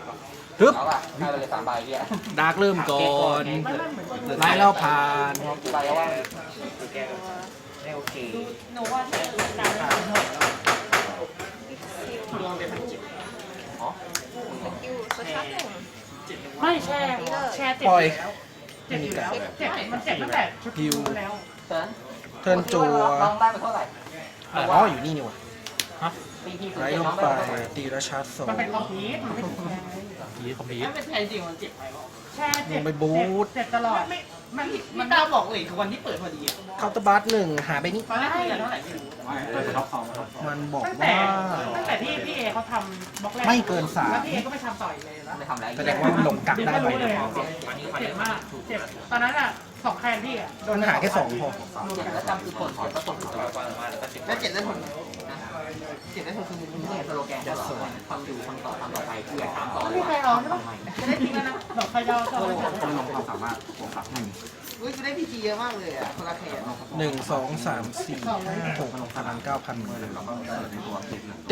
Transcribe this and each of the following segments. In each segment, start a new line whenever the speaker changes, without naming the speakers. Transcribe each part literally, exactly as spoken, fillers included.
ฮึบ
เอาป่ะให้ไปเลยสามใบเนี่ย
ดาร์กเริ่มก่อนไล่แล้วผ่าน
ใบแล้วว่า
ไม่โอเค
หนูว่าที่ดาวน์โหลด
ลองเป็นพันจิต
อ๋อ
อยู่โซเชียลหนึ่ง
ไม่แช่แช่เจ็บ
ปล่อย
เจ็บอยู่แล้วเจ็บมันเจ็บตั้งแต่ชุด
ฮิว
แล้ว
เซิร์น
เทิร์นจัว
น้องได้ไปเท่าไหร่
อ๋ออยู่นี่นี่หว่ะ
ตีที่สุด
ไล่
เจ็ด
ล
น้อง ง
ไป
ได้ไปเท่าไหร่
ตีและชาร์จโซ
มันเป็นคอมพิวต์มันไม่ใช่
ยีคอมพิว
ถ้าเป็นแทนจริงมันเจ็บไหมวะ
แช่เจ็บ
ลงไปบูท
เจ็บตลอด
ไม่มันมันตาบอกเลยคือวันที่เปิดพอดีอ่ะ
เคาน์เตอร์บัสหนึ่งหาไปนี่
ตอนแรกคุยกันเท่าไหร่ไม่รู้
มันบอก
ตั้งแต่
ว่า
ตั้งแต่ที่พี่เอเขาทำบล็อกแรก
ไม่เกินสาม
แล้วพี่เอก็ไม่ทำต่ออีกเลยนะ
ไม่ทำอะไร
แสดงว่ามันลงกักได้
ก็
ไป
รู้เลยเจ็บมากเจ็บตอนนั้นอ่ะสองแคนพี่อ่ะ
โดนหาแค่สองพอ
เจ็ดแล้วจำคือผลผลก็ตกอยู่แล้ว
แล้วเจ็บได้ผลเจ็บได้ผลคือมึง
นี่สโลแกนจะสอนทำอยู่ทำต่อทำต่อไปเพื่อถามต่อ
ไม่มีใครเอาใช่ปะจะได้ทิ้งแล้วนะดอกใครยาวก็เอาไป
คนลงความสามารถบวกกับหนึ่ง
เฮ้ยกูได้พีจีเยอะมากเลยอ่ะคนละแขน
หนึ่งสองสามสี่ห้าหกพลังเก้าพันหมื่นตี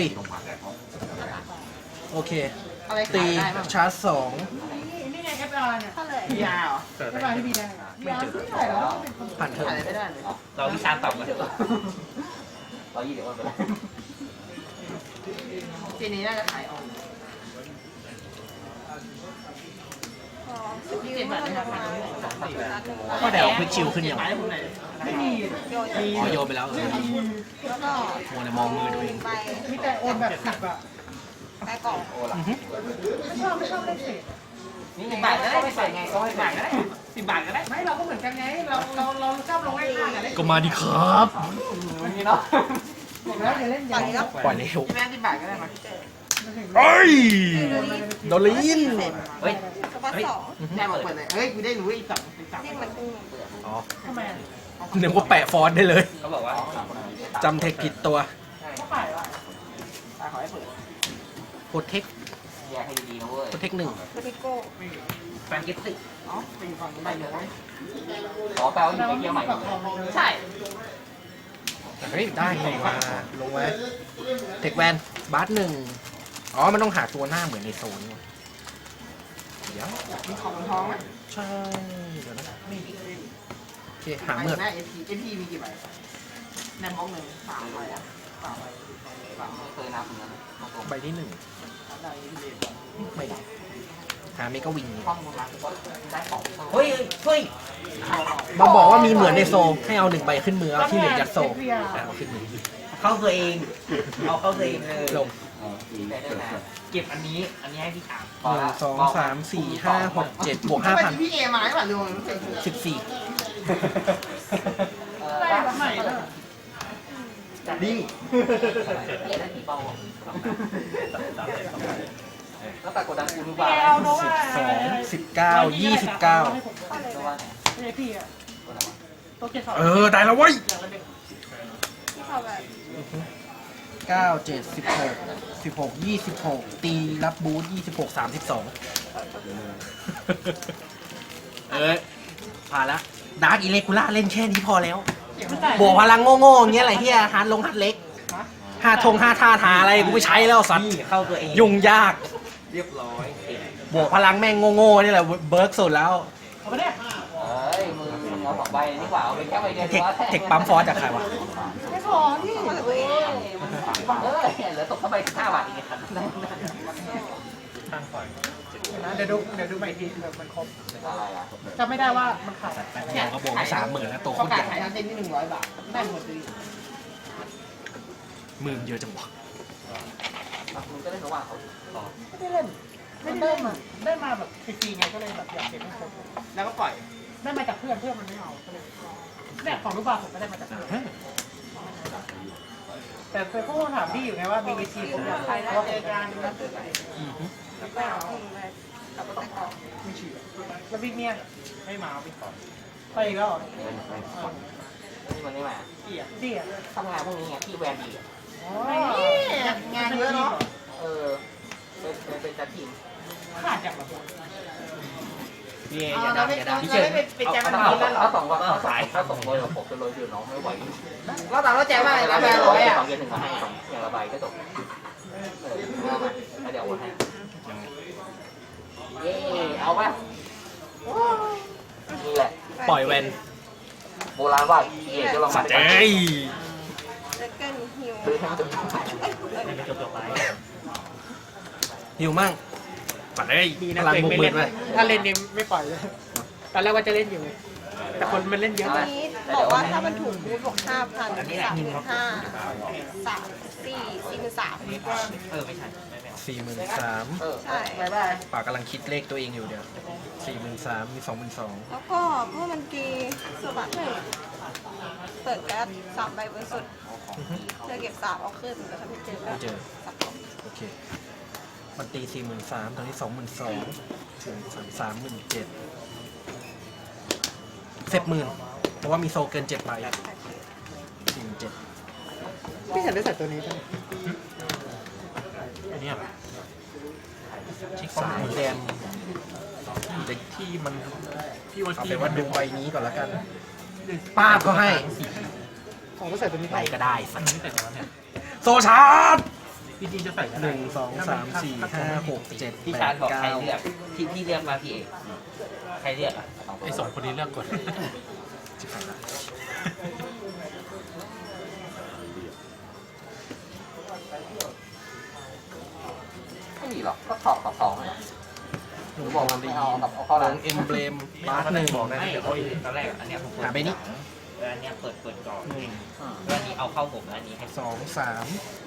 โอเค
อะไร
ตี
ขายได้บ้าง
ชาร์จสอง
นี่ไงเอฟอาร์เนี่ย
เท่าไหร่
พีอาร์เหรอ
เอฟอาร์ที่พี่ได้พี่อาร์ไม่ได้หรอ
ผ่านเถ
ขาย
อะ
ไม่ได้เลย
เราวิชาต่ำกันเถอะร้อยยี่สิบวันไปแล้ว
ปีนี้น่าจะขายออก
พอสกิลมันจะมา
ก็เดี๋ยวควิกชิลขึ้นอย่าง
ขายได้ผมไหน
ไม่มี
โยน
อ๋อโยนไปแล้วเออ
แล้วก็
มัวแต่มองมือตัวเอง
ไป
มีแต่โอนแบบสิบอ่ะ
ไปกล่อง
โอ้ล่ะ
อือฮึ
ไม่ชอบไม่ชอบเล่นเศษ
นี่
สิ
ไง
บบาทก็ได้
ไม่
สิบ
ใส่
บาท
ไง
ก็
ก็
ได้
ให้
สิบบาทก็ได้สิบบาทก็ได้
ไม่เราก็เหมือนกันไงเราเราเราชอบลงไล่ข้างกันได้
ก็มาดิครับ
มันนี่เนาะ
บอกแล้วอย่าเล่น
ตอน
ยาว
นี้ก็
ปล่อยเร็ว
พี่แม่สิบบาทก็ได้มั้ย
เอ้ยโดนลิน
เฮ้ย
สปอตสอง
แม่บอกเปิดเลยเฮ้ยกูได้รู้อีกสองอีกสอง
นี่มันกุ้ง
อ๋อ
ทำไมอ่ะ
หนึ่งว่าแปะฟอนต์ได้เลย
เขาบอกว่า
จำเทคผิดตัว
เขาขายว่ะ
ตาขอให้เปิด
โปรเทค
แยกให้ดีๆนะเว้ย
โปรเทคหนึ่ง
โปรติโก้
แฟนกิฟต์สิ
อ๋อไปอยู่ฝั่งนู้นได้เลย
ขอแปลว่าอยู่ในเที่ยวใหม่หมดเลย
ใช่
เฮ้ยได้ลงมาลงไว้เทคแวนบาสหนึ่งอ๋อมันต้องหาตัวหน้าเหมือนในโซนว่ะเดี๋ยว
มีของทองไหม
ใช่เดี๋ยวนะ
มี
โอเคหาเมือก
หน้าเอพีเอพีมีกี่ใบแนมมองหนึ่งสามใบอ่ะสามใบ
ไม่เคยนับเหมือนกัน
ใบที่หนึ่ง
ได้เอพี
ไม่ได้หาเมกาวิง
ข้อมูลมาได้ของเฮ้ยเฮ้ย
มาบอกว่ามีเหมือนในโซให้เอาหนึ่งใบขึ้นมือเอาที่เหลือยัดโซอ่ะเอาขึ้นมือ
เข้าตัวเองเอาเข้าตัวเองเลย
ลง
ได้ได้นะ
เก็บอันนี้อันนี้ให้พี่ถาม
หนึ่งสองสามสี่ห้าหกเจ็ดบวกห้าพัน
พี่เอมาหรือเปล่าลุง
สิบสี่
เออ
ได้แบบใหม่เลย
ดี
เรียนได้กี่เป้าแล้วแต่กดดันกูรู้
พี่
ป่า
เอเอาโน
สิ
ว่า
บสองสิบเก้ายี่สิบเก้า
รู้ว่าไหน
ไม่ใช่พี่อ่ะตัวเกียร์สอง
เออได้แล้วเว้ย
ที่เขาแบบ
เก้าเจ็ดสิบหกสิบหกยี่สิบหกตีรับบูทยี่สิบหกสามสิบสองเออผ่านละดาร์กอิเลกูล่าเล่นแค่นี้พอแล้วบวกพลังโง่ๆอย่างเงี้ยอะไรเฮียฮาร์ดลงฮาร์ดเล็กห้าทงห้าท่าทาอะไรกูไม่ใช้แล้วสัตว์
เข้าตัวเอง
ยุ่งยาก
เรียบร้อย
บวกพลังแม่งโง่ๆนี่แหละเบิร์กสุดแล้ว
เอาไปเนี่ย
เอ้ยมือมึงเอาสองใบนี่กว่าเอาไปแค่ใบเดียว
เทคเทคปั๊มฟอสจากใครวะ
ไม่พอที่
เอ้ยเอ้ยเหลือตกเข้าไปสิบห้าบาทเองครับ
นะเดี๋ยวดูเดี๋ยวดูใหม่ทีแบบมันครบ
อะไรอ่ะ
จำไม่ได้ว่ามันขาย
แป๊บเดียวก็บวกไปสามหมื่นแล้วตัวโค
ประ
ตร
กา
ให
ศ
ญ่
ขายทั้งเต็นที่หนึ่งร้อยบาทได้หมดเลย
หมื่นเยอะจังวะ
มึงก็ได้ระหว่างเขาต่อ
ไม่ได้เล่นไม่ได้เล่นมาได้มาแบบฟรีๆไงก็เลยแบบอยากเก็บให้ครบ
แล้วก็ปล่อย
ได้มาจากเพื่อนเพื่อนมันไม่เอาก็เลยเนี่ยของลูกบาศก์ผมก็ได้มาจากเพื่อนแต่เคยพูดถามพี่อยู่ไงว่ามีวิธีผมอยากไปแล้วเจอกัน
อือฮึ
แล้วก็ทิ้งเลยกับไปกล่อง
ไม่เชื่อแล้วพี่เมียไม่มาพี่ก่อนไปอีกแล้วเหรอ
นี่มันไม่มา
เดี่ยเดี่ย
ทำงานพวกนี้ไงพี่แวนดี
อ๋อง
านเยอะเนาะ
เออเป็นเป็นจัดทีม
ขาดจากแบบ
พี่เอ
เอา
อย่า
เรา
ดัง
ไม่
อย่าดัง
เราไม่ไปแจมมัน
เอา
นี้แล้วหรอ
เอาสองวันเอาสายเอาสองวันกับผมจะเลยคือน้องไม่ไหว
เราแต่เราแจมมากเลยนะแบร์ร้อยอ่ะ
สองเย็นหนึ่งมาให้สองอย่างละใบก็จบเออเอามาแล้วเดี๋ยวโอนให้เย้เอาป่ะนี่แหละ
ปล่อยแวน
โบราณว่าเย่ก็ลอง
สั
มา
ตว์เอ้ย
เล็กเกินฮิว
ซื้อให้มันจบ
จบจบไป
หิวมั่งสัตว์เอ้ย
ดี
พ
นะ
ลัง
ตัวเอง
บุก
ไม่
เบิ
เล่
ด
น
ไป
ถ้าเล่นนี่ไม่ปล่อยเลยตอนแรกว่าจะเล่นอยู่ แต่คนมันเล่นเยอะ
อันนี้บอกว่าถ้ามันถูกบูทบวกห้าพันสามหมื่นห้าสามสี่สี่หมื่นสาม
เออไม่ใช่ไม่ไม่
สี่หมื่นสาม
เออ
ใช่
บายบาย
ปากกำลังคิดเลขตัวเองอยู่เดี๋ยวสี่หมื่นสามมีสองหมื่นสอง
แล้วก็เมื่อมันกีสวัสดหนึ่งเปิดแก๊สสามใบบนสุดเธอเก็บสามเอาขึ้นแล้วถ้าไม่เจอก็
ไม่เจอ
สับสน
โอเค มันตีสี่หมื่นสามตอนนี้สองหมื่นสองสี่สามสามหมื่นเจ็ดเจ็ดหมื่นเพราะว่ามีโซเกินเจ็ดใบสี่หมื่นเจ็ด
พี่ฉันได้ใส่ตัวนี้ไป
อันนี้สามแดงเด็กที่มันพี่ว่าที่ว่าดูใบนี้ก่อนละกันป้าบก็ให้
ของก็ใส่ตัวนี้
ใบ
ไป
ก็ได้สักโซชาร์ด
พี่จีจะใส่
หนึ่งสองสามสี่ห้าหกเจ็ด
พี่
แป
ชา
ด
ญบอกใคร
เก้า
เลือกที่พี่เลือกมาพี่เอกใครเลือกอ่ะ
ไอ้สองคนนี้เลือกก่อน
สิบแปดละ
ไม่มีหรอกก็สองต่อสองเลย
หนู
บบ อ
อก ก
มั
มัน น
ไม่
ดี
เอากับเอาเข้า
ล
ร้าน
งเอ็มเบลมบาร์หนึ่ง
ไม่ตอนแรกอันเนี้ยผม
หาไปนี้
อันเนี้ยเปิดเปิดก่อน
หนึ่ง
แล้วอันนี้เอาเข้าผมอันนี้ให้
สองสาม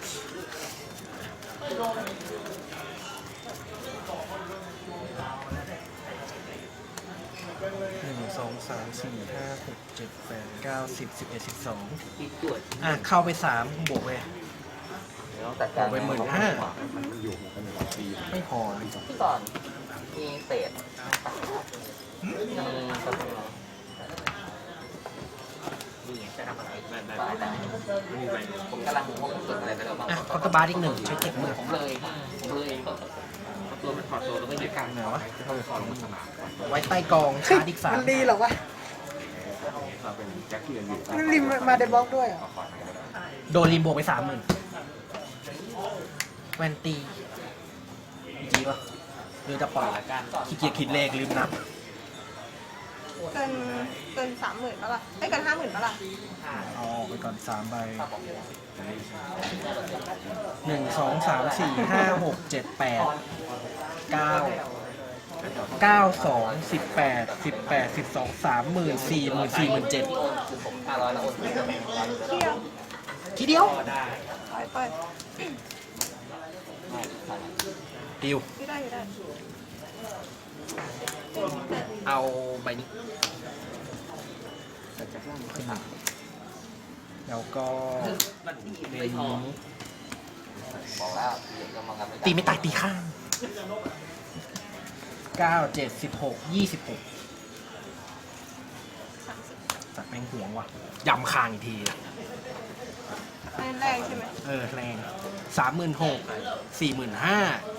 หนึ่งสองสามสี่ห้าหกเจ็ดแปดเก้าสิบสิบเอ็ดสิบสอง
พี่ตรวจ
อ่ะ เข้าไปสามบวกไป
เดี๋ยวต้องจัดการ
เอาไปหมื่นห้า ไม่พอเลย
พี่ก่อนมีเศษมีกระเป๋านี่ไงจะทำอะไรแบบแบบผมกำลังงงสุดอะไรไปแล้วบ้าง
อ่ะคอร์ตบาร์อีกหนึ่งใช้เจ็ดหมื่น
ผมเลยผมเลยตัวมันถอดตัวแล้วก็ยึดกัน
ไหนวะไว้ใต้กองชาร์จอีกสาม
มันดีเหรอวะมันริมมาในบล็อกด้วยอ่ะ
โดนริมบวกไปสามหมื่นแวนตีจีป่ะหรือจะปล่อยละกันขี้เกียจคิดเลขลืมนับ
เกินเกินสามหมื่นปะล่ะไอ้ยเกินห้าหมื่นปะล่ะ
เอาออกไปก่อนสามใบหนึ่งสองสามสี่ห้าหกเจ็ดแปดเก้าเก้าสองสิบแปดสิบแปดสิบสองสามหมื่นสี่หมื่นสี่หมื่นเจ็ด
คือผมห้าร้อยแล้วโอน
เที่ยว
ทีเดียว
ปล่อยปล่อย
ดิว
ไม่ได้ไม่ได้
เอาใบนี้ขึ้นมาแล้วก็ใบนี้
บอกแล้วเดี๋ยวจะมากันไม่ได้
ตีไม่ตายตีข้างเก้าเจ็ดสิบหกยี่สิบหกสัตว์แม่งห่วงว่ะยำคางอีกที
ไม่แรงใช่ไหม
เออแรงสามหมื่นหกสี่หมื่นห้า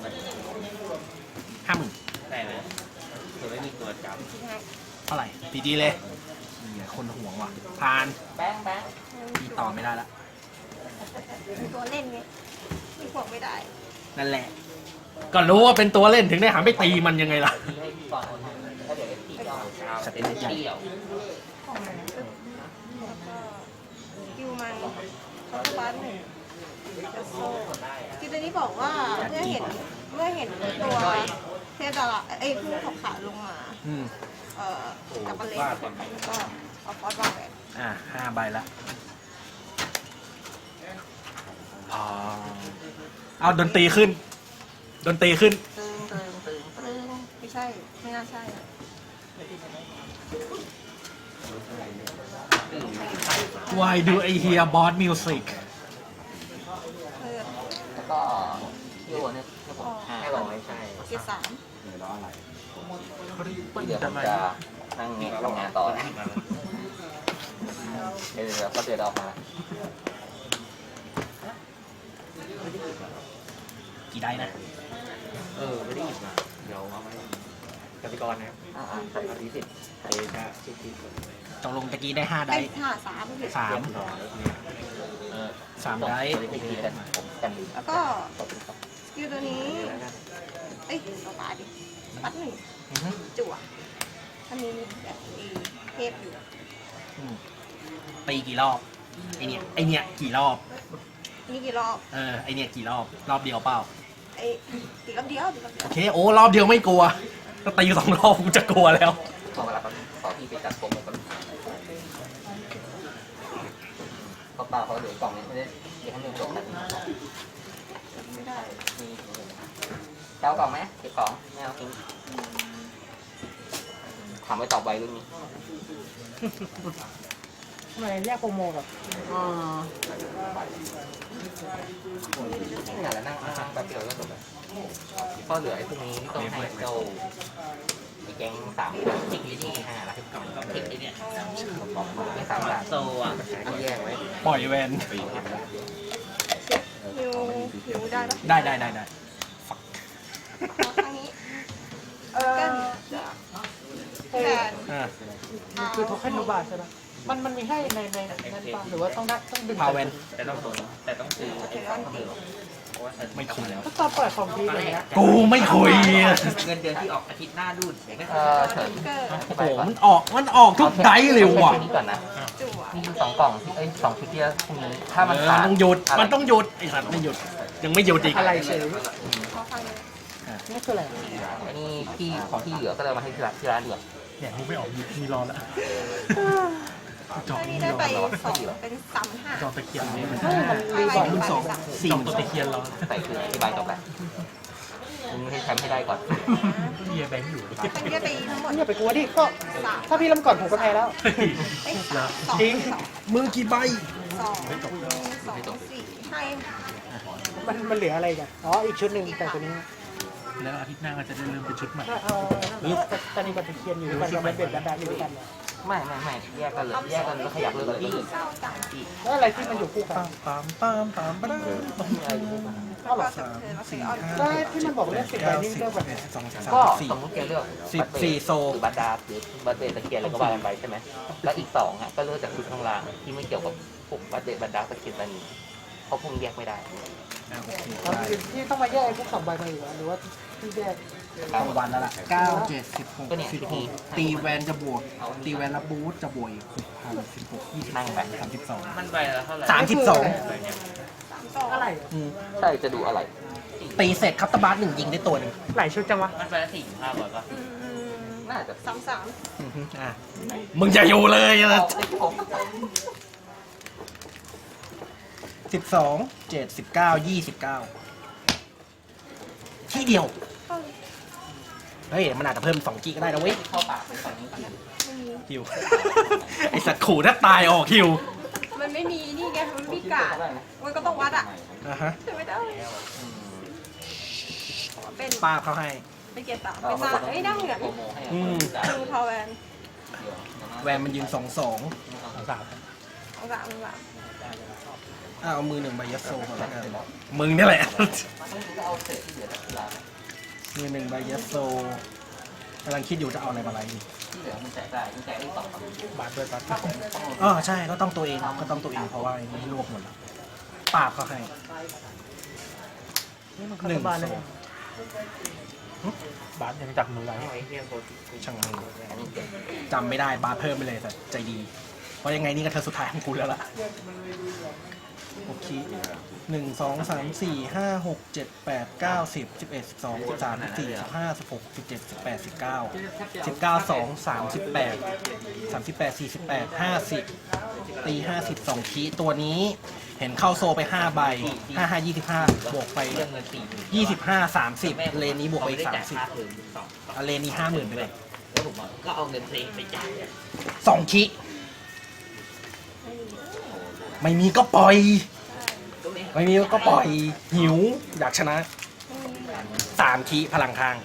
ห้าหมื่น
ได้ไหมคือไม่มีตัวจับ
เท่าไหร่ดีดีเลยเหี้ยคนห่วงว่ะผ่าน
แป้งแป้ง
ตีต่อไม่ได้ละ
มีตัวเล่นไงมีพวกไม่ได้
นั่นแหละ ก็รู้ว่าเป็นตัวเล่นถึงได้หาไม่ตีมันยังไงล่ะ
ที่ให้ก่อนแล้วเดี๋ยวตีเดียว
สเต็ปใหญ่
เดียว
ของมันปึ๊บแล้วก็คิวมันคอร์ตบัสหนึ่งเดโซ่ที่ตัวนี้บอกว่าเมื่อเห็นเมื่อเห็นตัวเทพดาราเอ้ยผู้ขอบขาลงมา
อืม
เอ่อกับบัลเล่แล้วก็เอาฟอสวางแหวน
อ่ะห้าใบละพอเอาดนตรีขึ้น ดนตรีขึ้น
ตึงตึงตึงตึงไม่ใช่ ไม่น่าใช่อะ
Why do I hear boss music
เลือด
แล้วก็ที่โอนเนี่ยให้ผมให้บอกไม่ใช่
เกียร์สาม
เดี๋ยวผมจะนั่งทำงานต่อนะเดี๋ยวเดี๋ยวก็เดี๋ยวออกมา
กี่ได้นะ
เออไม่ได้หยิบมาเดี๋ยวเอาไว้กติกรนะครับอ่าใส่มาที่สิบเอชาสิบสิบ
ตกลงตะกี้ได้ห้าได้
ไอ้ห้าสามผิด
สาม
เออ
สามได้
โอเคกันผมกัน
แล้วก็สกิลตัวนี้ เอ้ยตัวปลาดิปัดหนึ่ง
อือฮึ
จั่วอันนี้มีแบบเอเทพอยู่
อืมตีกี่รอบไอเนี่ยไอเนี่ยกี่รอบ
นี่กี่รอบ
เออไอเนี่ยกี่รอบรอบเดียวเปล่า
ไอ้ตีรอบเดียวตีรอบเดียว
โอเคโอ้รอบเดียวไม่กลัวถ้าตีสองรอบกูจะกลัวแล้ว
ขอเวลาแป๊บนึงขอพี่ไปจัดโปรโมทก่อนเขาเปล่าเขาเหลือกล่องนี้ไม่ได้เดี๋ยวให้เงินจบนะ
ไม่ได้
มีเจ้ากล่องไหมเก็บของไม่เอาทิ้งถามไว้ตอบไวเรื่องนี้
ทำไมแยกโปรโมกับ
นี่แหละนั่งนั่งแป๊บเดียวก็จบแล้วก็เหลือไอ้พวกนี้ต้องให้เจ้าไอ้แก๊งสามทิกลิที่ห้าละทิกไอ้เนี่ยไม่สามละโซอ่ะต้องแยกไว้
ปล่อยแวน
ฮิวฮิวได้ปะ
ได้ได้ได้ได้
ขอข้างนี้
เออ
แฟน
อ่า
คือโทเค็นนูบาใช่ไหมมันมันมีให้ในในนั้นป่ะหรือว่าต้องได้ต้องดึง
พาวเวน
แต่ต้องแต่ต้องซื้อไอ้สองพันเหลือเพราะว่า
ไม่คุยแล้ว
ก็ตอนเปิดของทีอะไรเงี้ย
กูไม่คุย
เงินเดือนที่ออกอาทิตย์หน้าดูดเออเฉิน
เกิด
โอ้โหมันออกมันออกทุกไดฟ์เลยว่ะ
นี้ก่อนนะ
จั่ว
มีสองกล่องที่เอ้ยสองชุดที่พรุ่งนี้ถ้ามัน
เออ
ขาด
ต้องหยุดมันต้องหยุดไอ้สัตว์ไม่หยุดยังไม่หยุดอีก
อะไรเฉย
ขอข้างนี้
นี่คืออะไร
อันนี้พี่ของที่เหลือก็เลยมาให้ที่ร้านที่ร้านเดือด
เนี่ยมึงไม่ออกมีรอแล้วจอ
อัน
มี
นี้
ร
ได้
อ
ไปสองเป็นสามห้า
จอตะเกียบนี่มัน
อะไร
สองเป็นสองสี่ตัวตะเคียนรอ
ใส่คืออธิบายจบแล้วมึงให้แชมป์ให้ได้ก่อน
เฮียแบงค์อยู่
อันนี้ได้ไปทั้งหมด
อย่าไปกลัวดิก็
สาม
ถ้าพี่เริ่มก่อนผมก็แพ้แล้ว
ไอ้สามสอง
จริง
สอง
มึงกี่ใบ
สองสองสี่ให้
มันมันเหลืออะไรกันอ๋ออีกชุดหนึ่งแต่ตัวนี้
แล้วอาทิตย์หน้าก็จะได้เริ่มเป็นชุดใหม่
ถ้าเอาตอนนี้กับตะเคียนอยู่ด้วยกันกับเป็นแบบแบบอยู่ด้วยกันเนี่ย
ไม่ไม่ไม่แยกกันเลยแยกกันแล้วขยับเลยเลย
เก้าสาม
แล้วอะไรที่มันอยู่คู่กัน
ปามปามปามปามปาม
ก็หรอ
สามสี่ห้า
ก็ที่มันบอกเรื่องสิบใบนี่เรื่องแบบ
สองสาม
ก็
สี่
สมมติแกเลือก
สิบสี่โซ
หรือบัตดาหรือบัตเดตะเกียนอะไรก็ว่ากันไปใช่ไหมแล้วอีกสองอ่ะก็เลือกจากชุดข้างล่างที่ไม่เกี่ยวกับพวกบัตเดตบัตดาตะเกียนตานีเพราะพวกแยกไม่ได้
ที่ต้องมาแยกไอ้พวกสองใบมาอยู่หรือว่าที่แยก
กลางวันแล้วล่ะเก้าเจ็ดสิบหก
ก็เนี่ย
สิบหกตีแวนจะบวก ตีแวนรับบูทจะบวกอีกหกพันสิบหกยี่สิบ
นั่งไป
สามสิบสอง
มันใบละเท่าไหร่
สามสิบสอง
สามสอง
อะไร
อืม
ใช่จะดูอะไร
ตีเสร็จคัตตาบาร์หนึ่งยิงได้ตัวหนึ่ง
หลายชุดจังวะ
มันใบละสี่ห้าร้อยป่ะ
อืม
น่าจะ
สามสาม
อือฮึอ่ะมึงจะอยู่เลยสิบสองเจ็ดสิบเก้ายี่สิบเก้าที่เดียว
เข้าเลย
เฮ้ย มันอาจจะเพิ่มสองกิก็ได้นะเว้ย
เข้าปากไปฝั่งนี้
ไม่มี
ฮิว ไอสัตว์ขู่ถ้าตายออกฮิว
มันไม่มีนี่ไงมันไม่มีกาดมันก็ต้องวัดอ่ะ
อ่ะฮะ
ใช่ไหมได้เป็น
ป้าบเขาให้
เป็นเกียร์สามเป็นมาเอ้ยได้เหมือน
อืม
ดูพาวเวน
แวนมันยืนสองสองสาม
เอาสามเอาสาม
อ่ะเอามือหนึ่งใบยัดโซ่ก่อนแล้วกันมึงนี่แหละ มือหนึ่งใบยัดโซกำลังคิดอยู่จะเอาอะไรมาไล่ดี
ที่เหลือมันแจกได้มันแจกได้สอง
บาทด้วยบาทอ๋อใช่ก็ต้องตัวเองก็ต้องตัวเองเพราะว่าไอ้นี่ลวกหมดแล้วปราบเขาให้
นี่มันคาร์บานเลย
บาทยังจับมือไว้ช่างมือจำไม่ได้บาทเพิ่มไปเลยแต่ใจดี เพราะยังไงนี่ก็เธอสุดท้ายของกูแล้วล่ะโอเคหนึ่งสองสามสี่ห้าหกเจ็ดแปดเก้าสิบสิบเอ็ดสิบสองสิบสามสิบสี่สิบห้าสิบหกสิบเจ็ดสิบแปดสิบเก้าสิบเก้าสองสามสิบแปดสามสิบแปดสี่สิบแปดห้าสิบตีห้าสิบสองคีตัวนี้เห็นเข้าโซไปห้าใบห้าห้ายี่สิบห้าบวกไป
เรื่องเงินสี่
ยี่สิบห้าสามสิบเลนนี้บวกไปอีกสามสิบ
ถึงสอง
เอาเลนนี้ห้าหมื่นไปเลย
แล้วผมก็เอาเงินเพลงไปจ่าย
สองคีไม่มีก็ปล่อย ไม่มีก็ปล่อยหิว อยากชนะสามคีพลังข้าง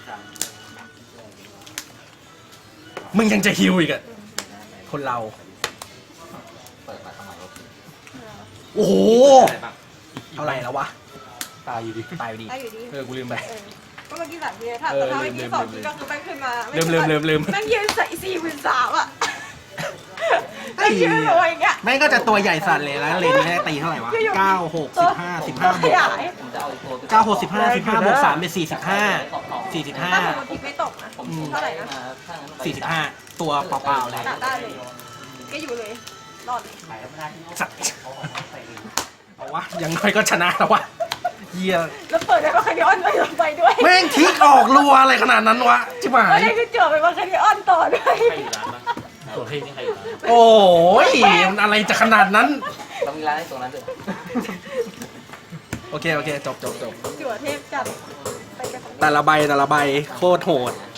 มึงยังจะฮิวอีกอะคนเรา
เปิดมาทำไม
โอ้โห เท่าไหร่แล้ววะ ตายอยู่ดี ตายอยู่ดี
ได้อยู่ดี
เออ กูลืมไป
เออก็เมื่อกี้สามทีถ้า
เออ
ถ้าเมื่อกี้สอง
ลื
ที
ม
ก็คือแม่งขึ้นมา
ลืมลืมลืมลืม
แม่งยืนใส่สี่หมื่นสามอ่ะแม่งยืนตัวอย่างเงี้ย
แม่งก็จะตัวใหญ่สั่นเลยแล้วเลนนี้ได้ตีเท่าไหร่วะเก้าหกสิบห้าสิบห้าบ
ข
วก
ยาย
ผมจะเอาอีกตัว
เก้าหกสิบห้าสิบห้าบวกสามเป็นสี่สิบห้า
ของ
สี่สิบห้า
ถ้าสมมติทิปไม่ตกนะ
ผม
เท่าไหร่นะ
สี่สิบห้าตัวเปล่าๆเลย
ตัดได้เลยก็อยู่เลยรอดเลย
สัตว์เอาวะยังน้อยก็ชนะแล้ววะเยี่ย
แล้วเปิดได้ว่าคาริออนไปลงไปด้วย
แม่งทิกออกรัวอะไรขนาดนั้นวะชิบหา
ไม่
ย
ได้คือเจอไปว่าคาริออนต่อด้วย
ใครอยู่ร้านปะตัวเพลงนี่ใครอยู่ร้าน
โอ้ยมันอะไรจะขนาดนั้น
ต้องมีร้านให้ตรงนั้นด้วย
โอเคโอเคจบจบจบ
จั่วเทพจัดไปกัน
แต่ละใบแต่ละใบโคตรโหด
อ